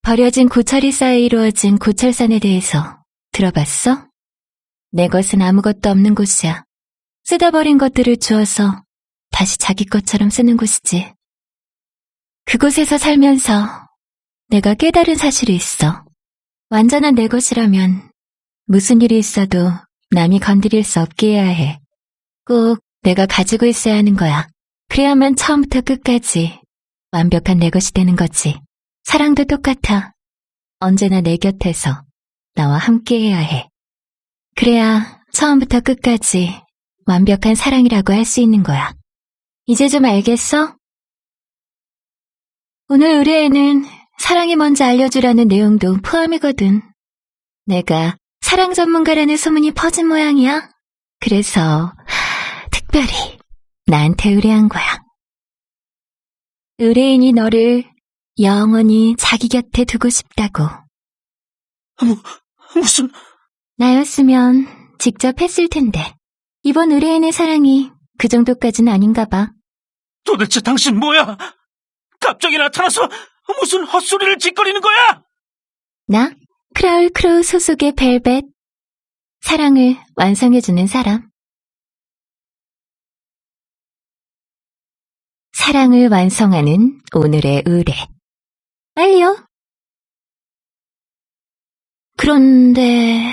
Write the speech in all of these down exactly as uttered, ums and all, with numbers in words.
버려진 고철이 쌓여 이루어진 고철산에 대해서 들어봤어? 내 것은 아무것도 없는 곳이야. 쓰다 버린 것들을 주어서 다시 자기 것처럼 쓰는 곳이지. 그곳에서 살면서 내가 깨달은 사실이 있어. 완전한 내 것이라면 무슨 일이 있어도 남이 건드릴 수 없게 해야 해. 꼭 내가 가지고 있어야 하는 거야. 그래야만 처음부터 끝까지 완벽한 내 것이 되는 거지. 사랑도 똑같아. 언제나 내 곁에서 나와 함께 해야 해. 그래야 처음부터 끝까지 완벽한 사랑이라고 할 수 있는 거야. 이제 좀 알겠어? 오늘 의뢰에는 사랑이 뭔지 알려주라는 내용도 포함이거든. 내가 사랑 전문가라는 소문이 퍼진 모양이야. 그래서 특별히 나한테 의뢰한 거야. 의뢰인이 너를 영원히 자기 곁에 두고 싶다고. 무, 무슨... 나였으면 직접 했을 텐데 이번 의뢰인의 사랑이 그 정도까지는 아닌가 봐. 도대체 당신 뭐야? 갑자기 나타나서 무슨 헛소리를 짓거리는 거야? 나? 크라울 크로우 소속의 벨벳. 사랑을 완성해주는 사람. 사랑을 완성하는 오늘의 의뢰. 빨리요. 그런데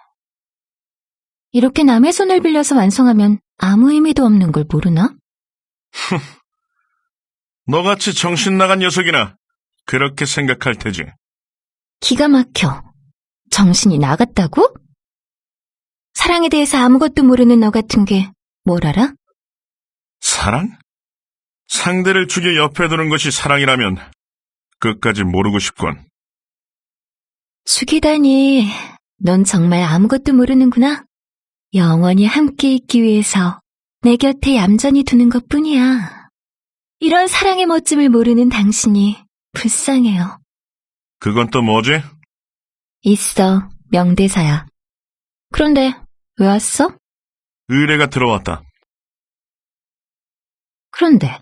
이렇게 남의 손을 빌려서 완성하면 아무 의미도 없는 걸 모르나? 너같이 정신 나간 녀석이나 그렇게 생각할 테지. 기가 막혀. 정신이 나갔다고? 사랑에 대해서 아무것도 모르는 너 같은 게 뭘 알아? 사랑? 상대를 죽여 옆에 두는 것이 사랑이라면 끝까지 모르고 싶군. 죽이다니, 넌 정말 아무것도 모르는구나. 영원히 함께 있기 위해서 내 곁에 얌전히 두는 것뿐이야. 이런 사랑의 멋짐을 모르는 당신이 불쌍해요. 그건 또 뭐지? 있어, 명대사야. 그런데 왜 왔어? 의뢰가 들어왔다. 그런데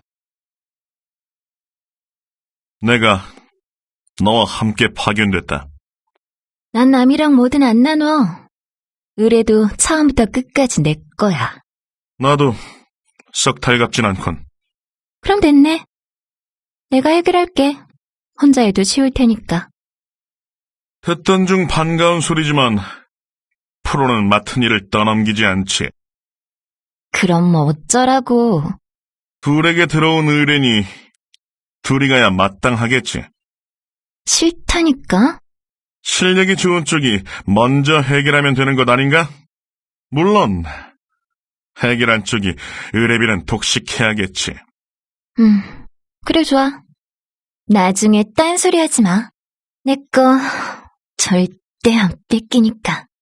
내가 너와 함께 파견됐다. 난 남이랑 뭐든 안 나눠. 의뢰도 처음부터 끝까지 내 거야. 나도 썩 달갑진 않군. 그럼 됐네. 내가 해결할게. 혼자 해도 쉬울 테니까. 듣던 중 반가운 소리지만 프로는 맡은 일을 떠넘기지 않지. 그럼 뭐 어쩌라고. 둘에게 들어온 의뢰니 둘이 가야 마땅하겠지. 싫다니까? 실력이 좋은 쪽이 먼저 해결하면 되는 것 아닌가? 물론 해결한 쪽이 의뢰비는 독식해야겠지. 음, 그래 좋아. 나중에 딴소리 하지 마. 내 거 절대 안 뺏기니까.